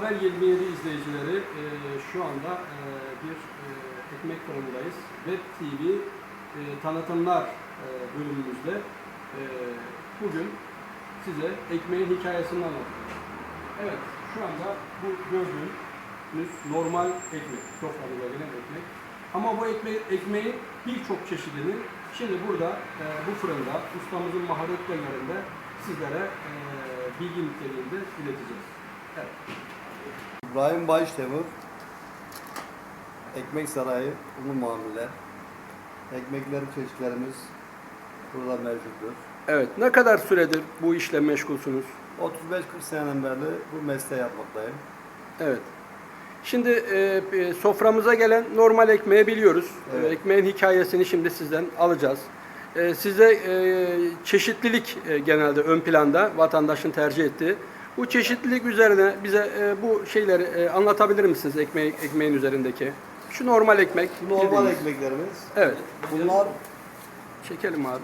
Haber 27 izleyicileri şu anda bir ekmek fırındayız. Web TV tanıtımlar bölümümüzde bugün size ekmeğin hikayesini anlatacağım. Evet, şu anda bu gördüğünüz normal ekmek, soframıza gelen ekmek. Ama bu ekmeğin birçok çeşidini şimdi burada bu fırında ustamızın maharetlerinde sizlere bilgi niteliğinde ileteceğiz. Evet. İbrahim Baştemir, Ekmek Sarayı, Ulu Mamuller. Ekmekleri, çeşitlerimiz burada mevcuttur. Evet, ne kadar süredir bu işle meşgulsünüz? 35-40 seneden beri bu mesleği yapmaktayım. Evet. Şimdi soframıza gelen normal ekmeği biliyoruz. Evet. Ekmeğin hikayesini şimdi sizden alacağız. Size çeşitlilik genelde ön planda vatandaşın tercih ettiği. Bu çeşitlilik üzerine bize bu şeyleri anlatabilir misiniz ekmeğin üzerindeki? Şu normal ekmek. Normal bildiğiniz. ekmeklerimiz. Evet. Bunlar Çekelim abi.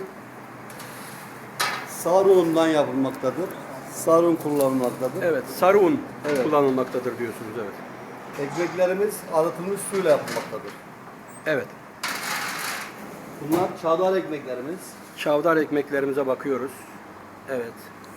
sarı undan yapılmaktadır. Sarı un kullanılmaktadır. Evet, sarı un Evet. kullanılmaktadır diyorsunuz, evet. Ekmeklerimiz arıtılmış suyla yapılmaktadır. Evet. Bunlar çavdar ekmeklerimiz. Çavdar ekmeklerimize bakıyoruz. Evet.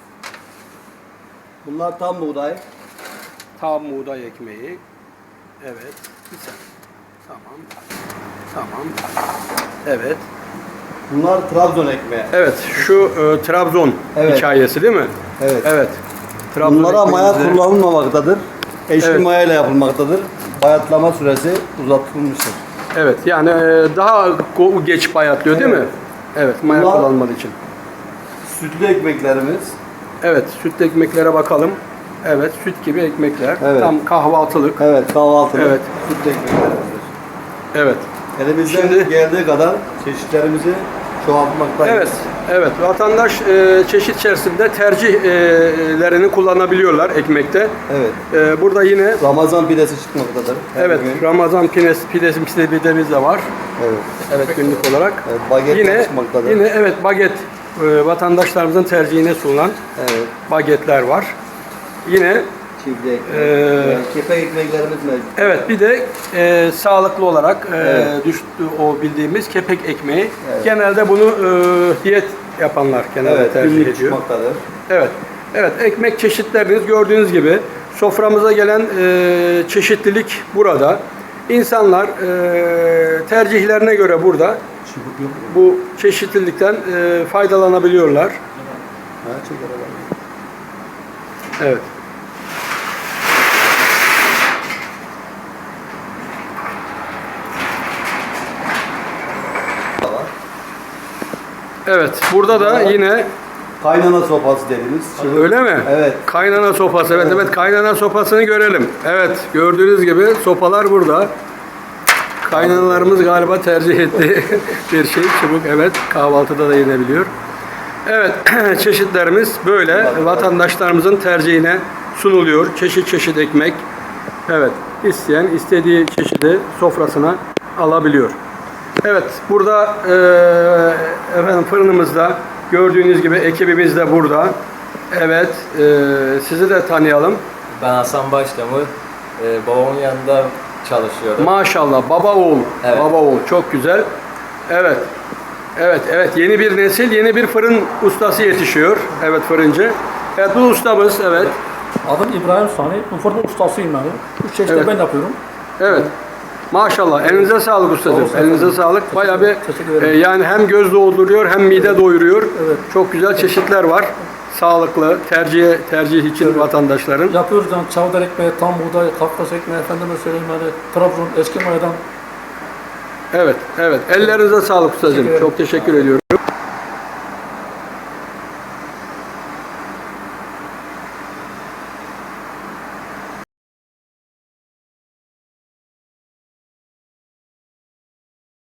Bunlar tam buğday. Tam buğday ekmeği. Evet. Güzel. Tamam. Tamam. Evet. Bunlar Trabzon ekmeği. Evet. Şu Trabzon Evet. hikayesi değil mi? Evet. Evet. Trabzon Bunlara maya ekmeğimizi- kullanılmamaktadır. Eşli Evet. maya ile yapılmaktadır. Bayatlama süresi uzatılmıştır. Evet. Yani daha geç bayatlıyor değil mi? Evet. Evet. Maya Bunlar- kullanmadığı için. Sütlü ekmeklerimiz. Evet. Sütlü ekmeklere bakalım. Evet. Süt gibi ekmekler. Evet. Tam kahvaltılık. Evet, kahvaltılık Evet. sütlü ekmeklerimizdir. Evet. Elimizden Şimdi- geldiği kadar çeşitlerimizi çoğaltmaktayız. Evet, evet. Vatandaş çeşit içerisinde tercihlerini kullanabiliyorlar ekmekte. Evet. Burada yine Ramazan pidesi çıkmaktadır. her evet gün. Ramazan pidemiz de var. Evet. Evet, günlük olarak. Evet, baget Yine çıkmaktadır. evet baget vatandaşlarımızın tercihine sunulan Evet. bagetler var. Yine Çiftli ekmek. Ee, Kepek ekmeklerimiz mevcut. evet, bir de sağlıklı olarak Evet. düştü o bildiğimiz kepek ekmeği. Evet. Genelde bunu diyet yapanlar genelde Evet, tercih günlük ediyor. çıkmaktadır. Evet. Evet, ekmek çeşitleriniz gördüğünüz gibi soframıza gelen çeşitlilik burada. İnsanlar tercihlerine göre burada bu çeşitlilikten faydalanabiliyorlar. Ha, çeker alalım. Evet. Evet, burada da yine Kaynana sopası dediğimiz. Çıvık. öyle mi? Evet. Kaynana sopası. Evet, evet, kaynana sopasını görelim. Evet, gördüğünüz gibi sopalar burada. Kaynanalarımız galiba tercih ettiği bir şey. Çubuk, evet, kahvaltıda da yenebiliyor. Evet, çeşitlerimiz böyle vatandaşlarımızın tercihine sunuluyor. Çeşit çeşit ekmek. Evet, isteyen istediği çeşidi sofrasına alabiliyor. Evet, burada efendim fırınımızda gördüğünüz gibi ekibimiz de burada. Evet, sizi de tanıyalım. Ben Hasan Başdemir, babamın yanında çalışıyorum. Maşallah, baba oğul. Evet. Baba oğul, çok güzel. Evet. Evet, evet, yeni bir nesil, yeni bir fırın ustası yetişiyor. Evet, fırıncı. Evet, bu ustamız, evet. Adım İbrahim Sani, bu fırın ustasıyım yani. Üç çeşitler Evet. ben yapıyorum. Evet. Maşallah. Elinize sağlık ustacığım. Sağ olun. Elinize sağlık. Bayağı bir Teşekkür ederim. yani hem göz dolduruyor hem mide doyuruyor. Evet. Çok güzel çeşitler var. Sağlıklı, tercih için vatandaşların. Yapıyoruz yani çavdar ekmeği, tam buğday, Kafkas ekmeği, efendime söyleyeyim yani Trabzon, eski mayadan. Evet, evet. Ellerinize sağlık ustacığım. Teşekkür ederim. Çok teşekkür ediyorum.